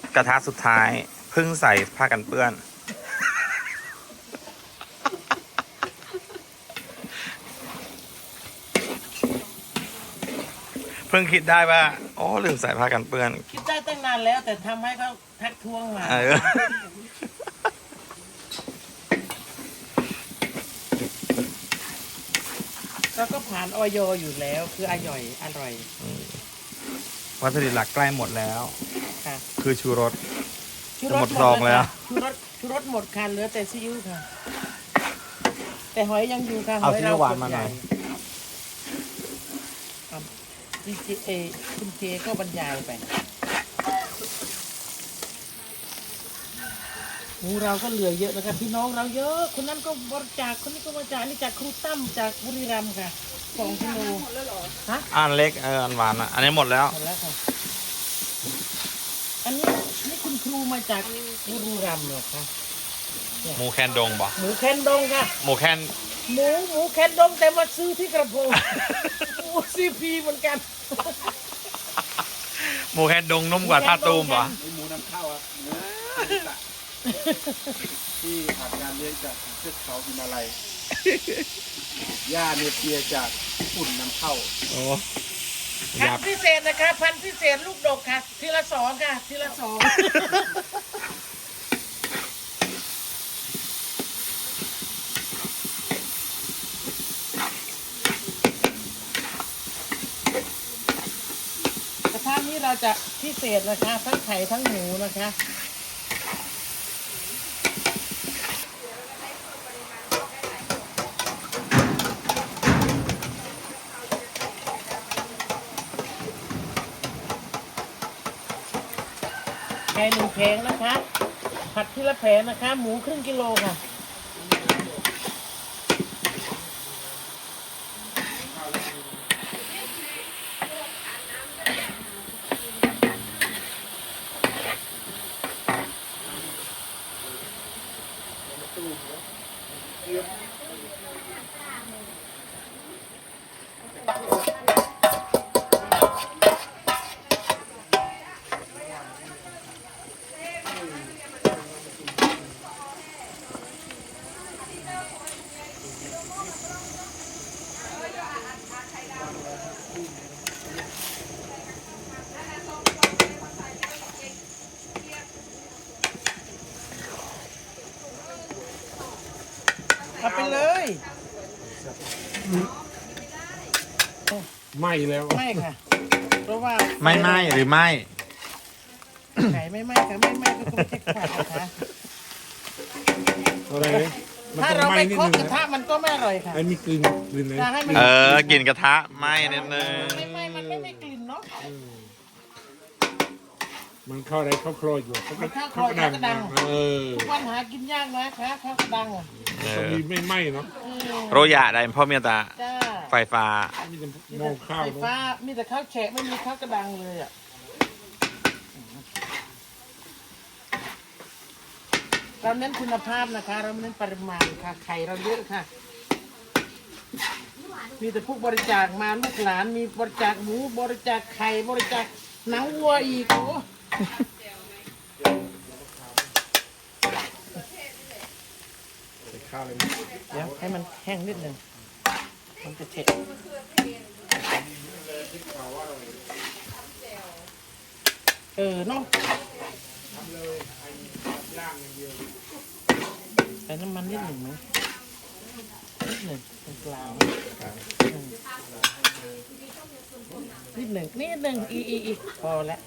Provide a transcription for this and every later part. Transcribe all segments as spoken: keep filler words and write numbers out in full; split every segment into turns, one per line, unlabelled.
กระทะสุดท้ายเพิ่งใส่ผ้ากันเปื้อนเพิ่งคิดได้ว่าโอ้ลืมใส่ผ้ากันเปื้อน
คิดได้ตั้งนานแล้วแต่ทำให้เขาทักท้วงมาเราก็ผ่านออยอยู่แล้วคืออร่อยอร่อย
วัตถุดิบหลักใกล้หมดแล้ว
ค่ะ
คือชูรส
ชู
รสหมดซองแล้ว
ชูรสชูรสหมดค่ะเหลือแต่ซีอิ๊วค่ะแต่หอยยังอยู่ค่ะห
เอา
อย
ซีอิ๊วหวานมาหน่อย
ดีเจเอคุณเจก็บรรยายไปหมูเราก็เหลือเยอะนะครับพี่น้องเราเยอะคนนั้นก็บริจาคคนนี้ก็บริจาคนี่จากครูตั้มจากบุรีรัมย์ค่ะสองกิโลฮะ
อันเล็กเอออันหวานอ่ะอันนี้หมดแล้ว
หมดแล้วค่ะอันนี้นี่คุณครูมาจากบุรีรัมย์เหรอคะ
หมูแคนดงบ่
หมูแคนดงค่ะ
หมูแคน
หมูหมูแคนดงแต่มาซื้อที่กระโปรงหมูซีพีเหมือนกัน
หมูแคนดงนุ่มกว่าท่าตูมบ่
หมูนำเข้าครับเนื้อที่ผ่านการเลี้ยงจากเทือกเขาหิมาลัยหญ้าเนเปียจากญี่ปุ่นนำเข้า
โอ้
พันพิเศษนะคะพันพิเศษลูกดกค่ะทีละสองค่ะทีละสองกระทะนี้เราจะพิเศษนะคะทั้งไข่ทั้งหมูนะคะไก่หนึ่งแผงนะคะผัดทีละแผงนะคะหมูครึ่งกิโลค่ะเอาไปเลย
ไม่แล้ว
ไม่ค่ะเพราะว่า
ไม่ไหมหรือไม่
ไก่ไม่ไหมค่ะไม่ไหมก็ต้องเช็คขาดนะคะ
อะไร
ถ้าเราไม่เคาะกระทะมันก็ไม่อร่อยค่ะ
ไอ้มีกลิ่นกลิ่นเลย
เออกลิ่นกระทะไหมนิดนึง
ไม่ไหมมันไม่ไม่กลิ่นเนาะ
มันเข้าอะไรเข้าคลอยอยู่
มันเข้าคลอยกระดัง
เออ
ทุกวันหากินยากนะคะเข้ากระดังอ่ะ
ตรงนี้ไม่ไหม้เนาะ
โรยะได้พ่อเมียตาไฟฟ้า
มีแต่มองข้าว
ไฟฟ้ามีแต่ข้าวแฉะไม่มีข้าวกระดังเลยอ่ะเราเน้นคุณภาพนะคะเราเน้นปริมาณค่ะไข่เราเยอะค่ะมีแต่พวกบริจาคมาลูกหลานมีบริจาคหมูบริจาคไข่บริจาคหนังวัวอีกโอ้
ข้าวเลย
เดี๋ยวให้มันแห้งนิดหนึ่งมันจะเฉะเออเนาะใส่น้ำมันนิดหนึ่งไหมนิดหนึ่งตรงกลางนิดหนึ่งนิดหนึ่งอีอีอีพอแล้ว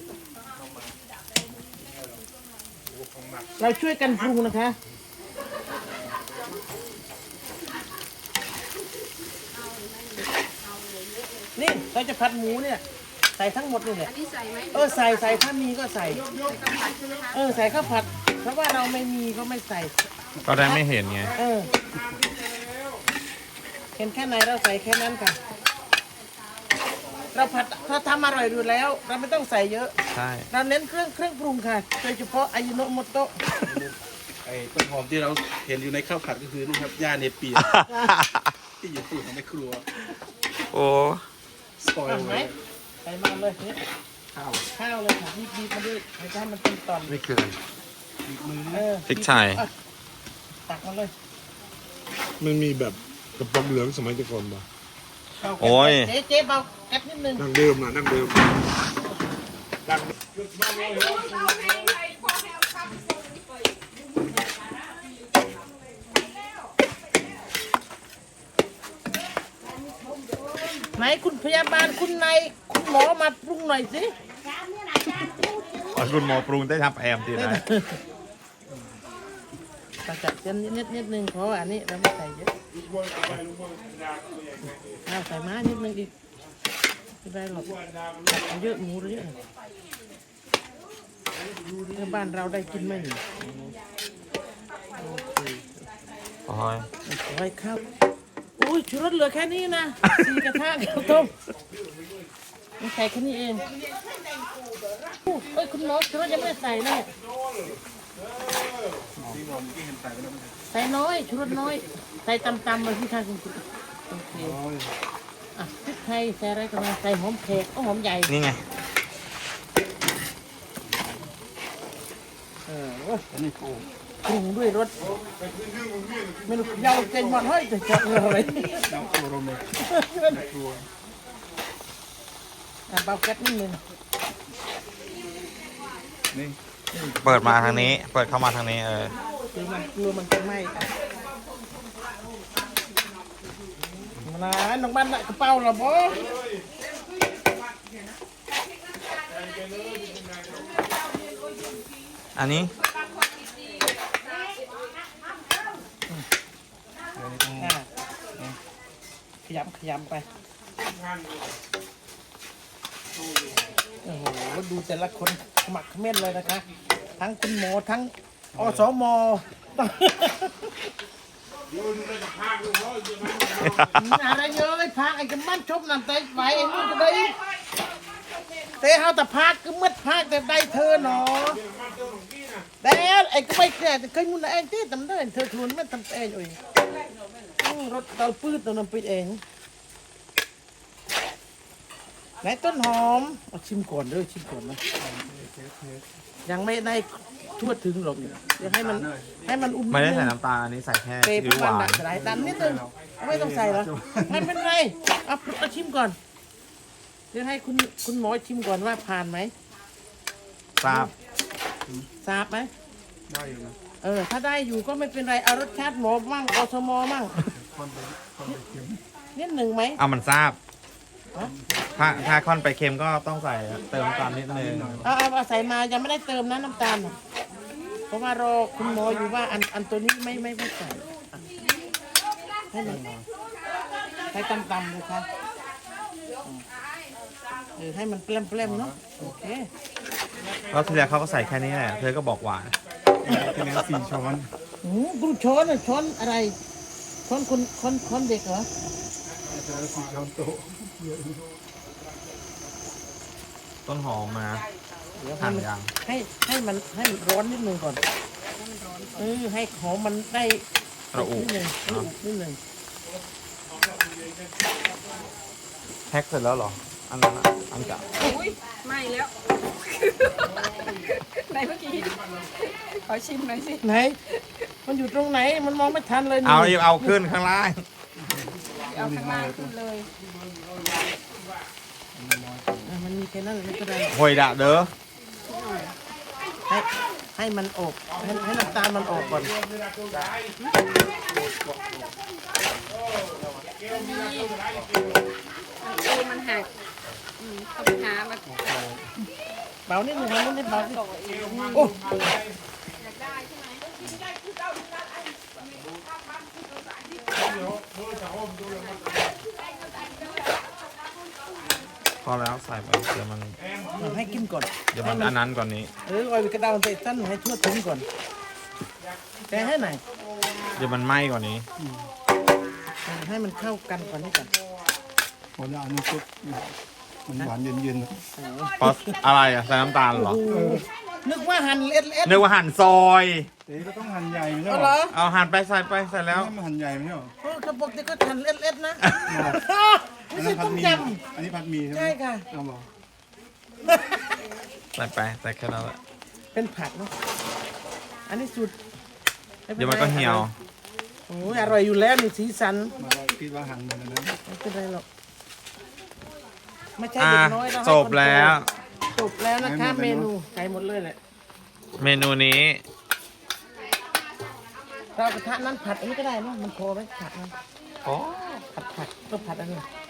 เราช่วยกันปรุงนะคะนี่เราจะผัดหมูเนี่ยใส่ทั้งหมดเลยเนี่ยเออใส่ใส่ถ้ามีก็ใส่เออใส่ข้าวผัดเพราะว่าเราไม่มีก็ไม่ใส่
ก็ได้ไม่เห็นไง
เออเห็นแค่ไหนเราใส่แค่นั้นค่ะเราผัดเราทำอร่อยอยู่แล้วเราไม่ต้องใส่เยอะ
ใช่
เราเน้นเครื่องเครื่องปรุงค่ะโดยเฉพาะอายุโนโมโตะ
ไอ้ต้นหอมที่เราเห็นอยู่ในข้าวผัดก็คือนี่ครับหญ้าเนเปียที่อยู่ตู้ของแม่ครัว
โอ้
สปอยล์
ไหมใส่มาเลยนี่
ข้าว
ข้าวเลยค่ะบีบบีบมาด้วยให้ให้มันเป็นตอน
ไม่เกิน
บีบมือ
เอ
นี่
อ
พริกไทย
อ่ะตักมาเลย
มันมีแบบกระป๋องเหลืองสมัยแต่ก่อนบ่
เบาแก๊ส
โอ้ย
เจ๊เจ๊เบาแก๊สนิดนึง
นั่งเดิมนะนั่งเดิมดัง
ไหนคุณพยาบาลคุณนายคุณหมอมาปรุงหน่อยสิ
คุณหมอปรุงได้ทำแอมตีไหน
ตักจัดเส้นนิดนิดนิดนึงเพราะว่าอันนี้เราไม่ใส่เยอะเอาใส่ม้านิดนึงอีกไม่ได้หรอกเอาเยอะหมูเยอะเมื่อบ้านเราได้กินไหมนี่โอเค
โอ้ย
ไว้ข้าวอุ้ยชูรสเหลือแค่นี้นะสี่กระทะข้าวต้มมันใส่แค่นี้เองอู้เอ้ยคุณหมอชูรสยังไม่ได้ใส่เลยใส่น้อยชูรสน้อย ใส่ตำๆเลยพี่ชายคุณคุณโอเคอ่ะพริกไทยใส่อะไรกันมาใส่หอมแขกก็หอมใหญ่
นี่ไง
เออโอ้ย
อันนี้ปู
ปรุงด้วยรสไม่รู้ยาวเก่งมันเฮ้ยจะเจาะอะไร
น้ำปูโรเมตัว
อ่ะเบาแก๊สนิดนึง
นี่
เปิดมาทางนี้ เปิดเข้ามาทางนี้เออ
เดี๋ยวมันกลัวมันจะไหม้นะน้องบ้านน่ะกระเป๋าเหรอบ่
อันนี้
อ่ะขยำขยำไปโอ้โหดูแต่ละคนขมักเขม้นเลยนะคะ ทั้งคุณหมอทั้งอสมอะไรเยอะไอ้พักไอ้กำมันชบนั่นแต่ไหวไอ้นู่นก็ได้แต่เฮาแต่พักก็มืดพักแต่ได้เธอหนอแต่ไอ้ก็ไม่แก่แต่เคยมุนเองที่ทำได้เธอทวนไม่ทำเองเองรถเตาปื้ดตัวนั้นไปเองไหนต้นหอมเอาชิมก่อนเด้อชิมก่อนนะยังไม่ได้ทั่วถึงหรอกเดี๋ยวให้มันให้มันอุ่น
ไม่ได้
นิ
ใส่
นึง
น้ำตาลอันนี้ใส่แค่
เปรี้
ซีอิ๊ว
ยว
ห
วาน
วาน
หลายดำนิดนึงไม่ต้องใส่เหรอไม่เป็นไรเอาเอาชิมก่อนเดี๋ยวให้คุณคุณหมอชิมก่อนว่าผ่านไหม
ทราบ
ทราบไหม
ได้อยู่นะ
เออถ้าได้อยู่ก็ไม่เป็นไรเอารสชาติหมอมั่งอสมมั่ง
คนไปคนไปเค็ม
นิดหนึ่งไหม
เอามันทราบ
ฮะ
ถ้าถ้าค่อนไปเค็มก็ต้องใส่เติมน้ำตาลนิดนึง
เอาเอาเอาใส่มายังไม่ได้เติมนะน้ำตาลน่ะเพราะว่ารอคุณหมออยู่ว่าอันอันตัวนี้ไม่ไม่ไม่ใส่อ่ะให้มันให้ตำๆเลยค่ะอืมเออให้มันเปรี้ยมๆเนาะโอเค
แล้วทีแรกเขาก็ใส่แค่นี้แหละ เธอก็บอกหวาน
ที่แล้วสี่ช้อน
อืมดูช้อนอ่ะช้อนอะไรช้อนคนคนคนเด็กเหรอ
ที่แล้วสี่ช้อนโต๊ะ
ต้นหอมมา
เดี๋ยวให้
หั่น
มัน
ยัง
ให้ให้มันให้มันร้อนนิดนึงก่อนเออให้หอมมันได้
ระอุ
นิดนึงระอุนิดนึง
แพ็คเสร็จแล้วเหรอ อันนั้นอะอันเก่า
อุ้ยไม่แล้ว ไหนเมื่อกี้ขอชิมหน่อยสิ
ไหน มันอยู่ตรงไหนมันมองไม่ทันเลยนี่
เอาเอาขึ้นข้างล่าง
เอาข้างล่างขึ้นเลย
อ่ะมันมีแค่นั้นไม่เป็นไร
หวยดะเด้อ
ให้ให้มันอบให้ให้น้ำตาลมันออกก่อน
ดูมันหักอืมต้องไปหามา
เบานิดนึงทำนิดเบาสิโอ้
พอแล้วใส่ไปเดี๋ยวมัน
ให้กินก่อน
เดี๋ยวมันอันนั้นก่อนนี้
เออเอาไปกระดาษใส่สั้นให้ทั่วถึงก่อนแต่ให้ไหนอย
เดี๋ยวมันไหม้กว่านี้
เออให้มันเข้ากันก่อนนี่ก่อน
พอแล้วอันนี้ซุปมันหวานเย็น
เพราะอะไรอ่ะ ใส่น้ำตาลเหรอ
โอ้โหนึกว่าหั่นเล็ดเล็ด
นึกว่าหั่นซอย
ๆแต่ก็ต้องหั่นใหญ่ไม่ใช่
เอา
ห
เห
ร
ร
อ
อ
เอาหั่นไปใส่ไปใส่แล้ว
ไม่หั่นใหญ่ไม่ใช่หรอ
เออกระบอกที่ก็หั่นเล็ดเล็ดนะไม่
อัน
ใช่
นั้นผั
ต้
ด
ม
หมี
ย
อันนี้ผัดหมีใช่ไหม
ใช่ค่ะ
เอาบอก
ำ
ใส่ไปใส่แค่นั้นแหละ
เป็นผักเนาะอันนี้สุดไป็
เดี๋ยวมันก็เหี่ยว
โอ้ยอร่อยอยู่แล้วนี่สีสัน
มาเราคิดว่าหันเหมือนกันนะ
ไม่เป็นไรหรอกไม่ใช่
อ่ะ
เด็กน้อยเราให้
จบแล้ว
จบแล้วนะคะเมนูไก่หมดเลยแหละ
เมนูนี้
เรากระทะนั้นผัดอันนี้ก็ได้เนาะมันพอไหมผัดมัน
โอ้
ผัดผัดก็ผัดอันนี้